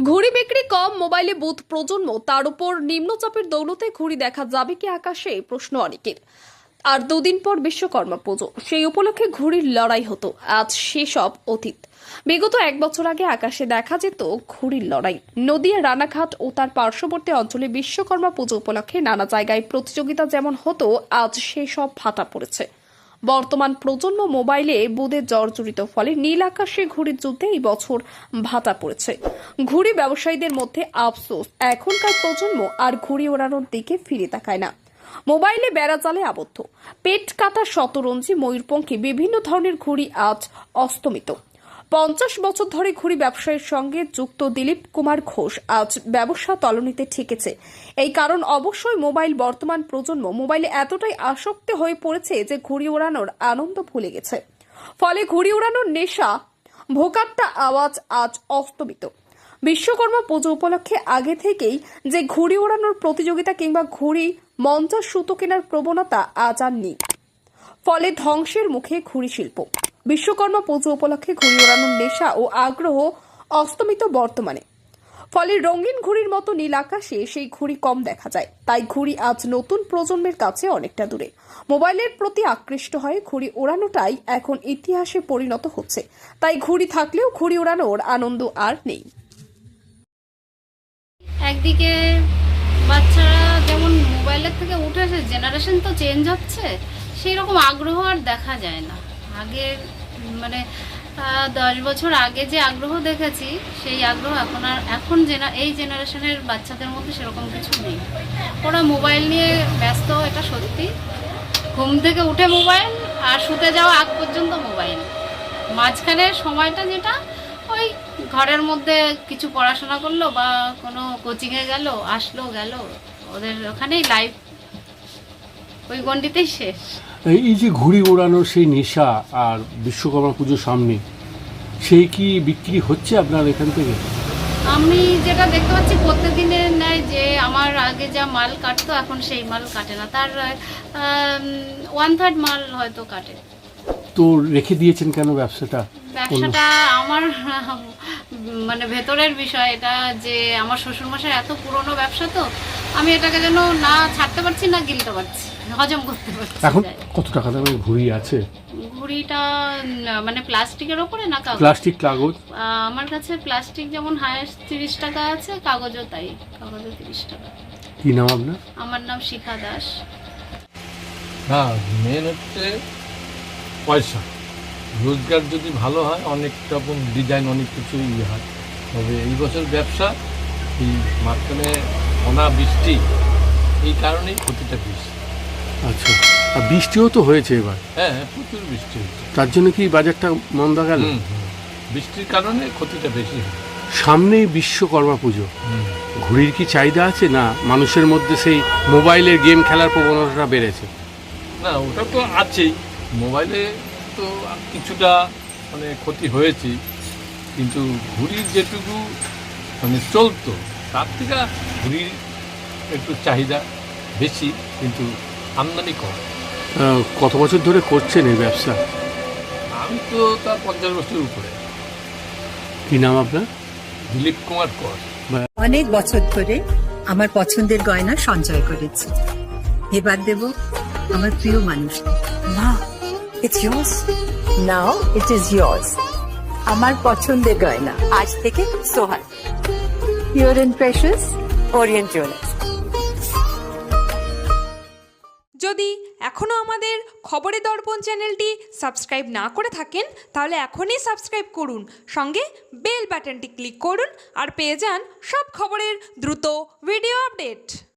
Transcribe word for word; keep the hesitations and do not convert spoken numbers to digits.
ঘুড়ি বিক্রি কম, মোবাইলে বুথ প্রজন্ম, তার উপর নিম্নচাপের দৌলতে ঘুড়ি দেখা যাবে কি আকাশে, প্রশ্ন অনেকের। আর দুদিন পর বিশ্বকর্মা পুজো, সেই উপলক্ষে ঘুড়ির লড়াই হতো, আজ সেসব অতীত। বিগত এক বছর আগে আকাশে দেখা যেত ঘুড়ির লড়াই। নদিয়া রানাঘাট ও তার পার্শ্ববর্তী অঞ্চলে বিশ্বকর্মা পুজো উপলক্ষে নানা জায়গায় প্রতিযোগিতা যেমন হতো, আজ সেসব ভাটা পড়েছে। বর্তমান প্রজন্ম মোবাইলে বুদে জর্জরিত, ফলে নীল আকাশে ঘুড়ির যুদ্ধে এই বছর ভাটা পড়েছে। ঘুড়ি ব্যবসায়ীদের মধ্যে আফসোস, এখনকার প্রজন্ম আর ঘুড়ি ওড়ানোর দিকে ফিরে তাকায় না। মোবাইলে বেড়াজালে আবদ্ধ। পেট কাটা শতরঞ্জি, ময়ূরপঙ্খী বিভিন্ন ধরনের ঘুড়ি আজ অস্তমিত। পঞ্চাশ বছর ধরে ঘুড়ি ব্যবসায়ের সঙ্গে যুক্ত দিলীপ কুমার ঘোষ আজ ব্যবসা তলানিতে ঠেকেছে। এই কারণ অবশ্যই মোবাইল। বর্তমান প্রজন্ম মোবাইলে এতটাই আসক্ত হয়ে পড়েছে যে ঘুড়ি ওড়ানোর আনন্দ ভুলে গেছে। ফলে ঘুড়ি ওড়ানোর নেশা, ভোকাট্টা আওয়াজ আজ অস্তমিত। বিশ্বকর্মা পুজো উপলক্ষে আগে থেকেই যে ঘুড়ি ওড়ানোর প্রতিযোগিতা কিংবা ঘুড়ি মঞ্চার সুতো কেনার প্রবণতা আজ আর নেই। ফলে ধ্বংসের মুখে ঘুড়ি শিল্প। বিশ্বকর্মা পুজো উপলক্ষে ঘুড়ি ওড়ানোর নেশা ও আগ্রহ অস্তমিত বর্তমানে। ফলে রঙিন ঘুড়ির মতো নীল আকাশে সেই ঘুড়ি কম দেখা যায়। তাই ঘুড়ি আজ নতুন প্রজন্মের কাছে অনেকটা দূরে। মোবাইলের প্রতি আকৃষ্ট হয়ে ঘুড়ি ওড়ানোটাই এখন ইতিহাসে পরিণত হচ্ছে। তাই ঘুড়ি থাকলেও ঘুড়ি ওড়ানোর আনন্দ আর নেই। একদিকে বাচ্চারা যেমন মোবাইলের থেকে উঠে এসে জেনারেশন তো চেঞ্জ হচ্ছে, সেই রকম আগ্রহ আর দেখা যায় না। আগে মানে দশ বছর আগে যে আগ্রহ দেখেছি, সেই আগ্রহ এখন আর এখন জেনা এই জেনারেশনের বাচ্চাদের মধ্যে সেরকম কিছু নেই। ওরা মোবাইল নিয়ে ব্যস্ত, এটা সত্যি। ঘুম থেকে উঠে মোবাইল, আর শুতে যাওয়া আগ পর্যন্ত মোবাইল। মাঝখানের সময়টা যেটা ওই ঘরের মধ্যে কিছু পড়াশোনা করলো বা কোনো কোচিংয়ে গেল, আসলো গেল, ওদের ওখানেই লাইফ ওই গণ্ডিতেই শেষ। এই যে ঘুড়ি ওড়ানোর সেই নেশা আর বিশ্বকর্মা পুজোর সামনে, সেই কি বিক্রি হচ্ছে আপনার এখান থেকে? আমি যেটা দেখতে পাচ্ছি প্রত্যেকদিনের ন্যায়, যে আমার আগে যা মাল কাটতো এখন সেই মাল কাটে না, তার ওয়ান থার্ড মাল হয়তো কাটে। তো রেখে দিয়েছেন কেন ব্যবসাটা? ব্যবসাটা আমার মানে ভেতরের বিষয় এটা, যে আমার শ্বশুরমশাই এত পুরনো ব্যবসা, তো আমি এটাকে যেন না ছাড়তে পারছি না গিলতে পারছি, হজম করতে পারছি। এখন কত টাকা দামের ঘুড়ি আছে? ঘুড়িটা মানে প্লাস্টিকের ওপরে না কাগজ? প্লাস্টিক, কাগজ। আমার কাছে প্লাস্টিক যেমন হায়েস্ট তিরিশ টাকা আছে, কাগজও তাই, কাগজও তিরিশ টাকা। কি নাম আপনার? আমার নাম শিখা দাস। হ্যাঁ, মেন হচ্ছে পয়সা। রোজগার যদি ভালো হয়, অনেক রকম ডিজাইন, অনেক কিছু ইয়ে হয়। তবে এই বছর ব্যবসা এই মাঝখানে অনাবৃষ্টি, এই কারণেই ক্ষতিটা বেশি। আচ্ছা, আর বৃষ্টিও তো হয়েছে এবার। হ্যাঁ হ্যাঁ, প্রচুর বৃষ্টি হয়েছে, তার জন্য কি বাজারটা মন্দা গেল? বৃষ্টির কারণে ক্ষতিটা বেশি হয়। সামনেই বিশ্বকর্মা পুজো, ঘুড়ির কি চাহিদা আছে, না মানুষের মধ্যে সেই মোবাইলের গেম খেলার প্রবণতাটা বেড়েছে? না, ওটা তো আছেই। মোবাইলে তো কিছুটা মানে ক্ষতি হয়েছে, কিন্তু ঘুড়ির যেটুকু মানে চলতো, তার থেকে ঘুড়ির একটু চাহিদা বেশি, কিন্তু আমদানি কম। কত বছর ধরে করছেন এই ব্যবসা? আমি তো তার পঞ্চাশ বছরের উপরে। কি নাম আপনার? দিলীপ কুমার কর। অনেক বছর ধরে আমার পছন্দের গয়না সঞ্চয় করেছি, এবার দেব আমার প্রিয় মানুষ। মা, it's yours. Now it is yours. আমার পছন্দের গয়না আজ থেকে সোহান, Pure and Precious, Orient Jewelers. যদি এখনও আমাদের খবরের দর্পণ চ্যানেলটি সাবস্ক্রাইব না করে থাকেন, তাহলে এখনই সাবস্ক্রাইব করুন, সঙ্গে বেল বাটনটি ক্লিক করুন আর পেয়ে যান সব খবরের দ্রুত ভিডিও আপডেট।